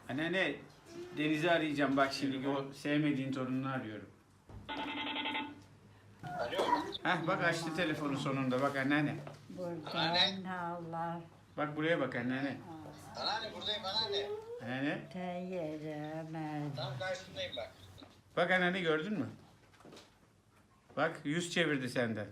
Anneanne, Deniz'i arayacağım. Bak şimdi o sevmediğin torununu arıyorum. Alo. Heh bak açtı telefonu sonunda. Bak anneanne. Buradan Allah Bak buraya bak anneanne. Anneanne buradayım anneanne. Anneanne. teyyiremez. Tam karşındayım bak. Bak anneanne gördün mü? Bak yüz çevirdi senden.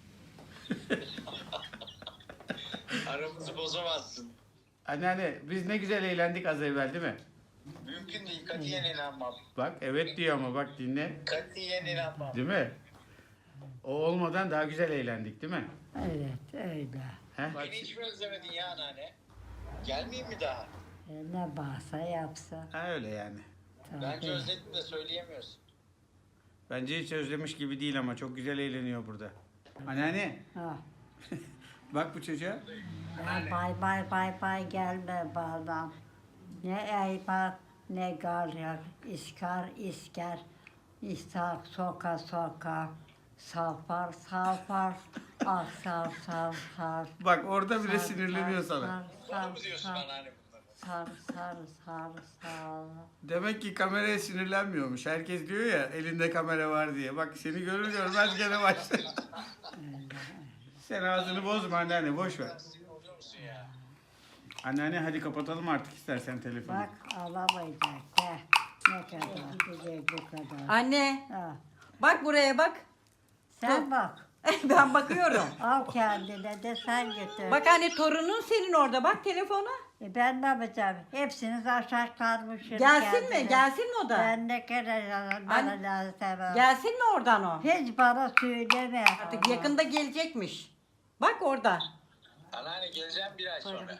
Aramızı bozamazsın. Anneanne biz ne güzel eğlendik az evvel değil mi? Mümkün değil. Katiyen inanmam. Bak evet diyor ama bak dinle. Katiyen inanmam. Değil mi? O olmadan daha güzel eğlendik değil mi? Evet öyle. Heh? Beni hiç mi özlemedin ya anneanne? Gelmeyeyim mi daha? Ne varsa yapsın. Ha öyle yani. Bence Tabii. özledim de söyleyemiyorsun. Bence hiç özlemiş gibi değil ama çok güzel eğleniyor burada. Anneanne Ha. bak bu çocuğa. Ya bay bay bay bay gelme bana. Ne eybat ne garyak. İskar isker. İstak soka soka. Salpar salpar. Aksar sar sar. Bak orada bile sinirleniyor sana. Bana mı diyorsun anneanne bunları? Sar sar sar sar. Demek ki kameraya sinirlenmiyormuş. Herkes diyor ya elinde kamera var diye. Bak seni görür görmez gene başladı. Sen ağzını bozma anneanne boş ver. Sinir oluyor musun ya? Anneanne hadi kapatalım artık istersen telefonu. Bak alamayacak. Heh. Ne kadar güzel bu kadar. Anne Ha. bak buraya bak. Sen bak. Ben bakıyorum. Al kendine de sen götür. Bak anne torunun senin orada bak telefona. Ben ne yapacağım? Hepsiniz aşağı kalmışsınız. Gelsin mi? kendine. Gelsin mi o da? Ben ne kadar bana Anne, lazım. Gelsin mi oradan o? Hiç bana söyleme. Artık yakında gelecekmiş. Bak orada. Anneanne geleceğim bir ay sonra.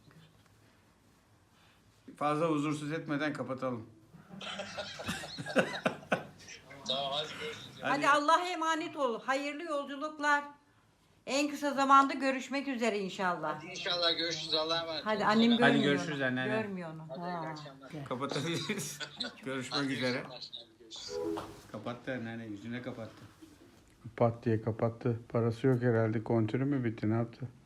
Fazla huzursuz etmeden kapatalım. Tamam hadi görüşürüz. Hadi Allah'a emanet ol. Hayırlı yolculuklar. En kısa zamanda görüşmek üzere inşallah. Hadi inşallah görüşürüz. Allah'a emanet Hadi olun. annem Hadi görmüyor görüşürüz onu. anneanne. Görmüyor onu. iyi Ha. akşamlar. Kapatabiliriz. Görüşmek Hadi üzere. iyi akşamlar, görüşürüz. Kapattı anneanne yüzüne kapattı. Pat diye kapattı. Parası yok herhalde. Kontürü mü bitti ne yaptı?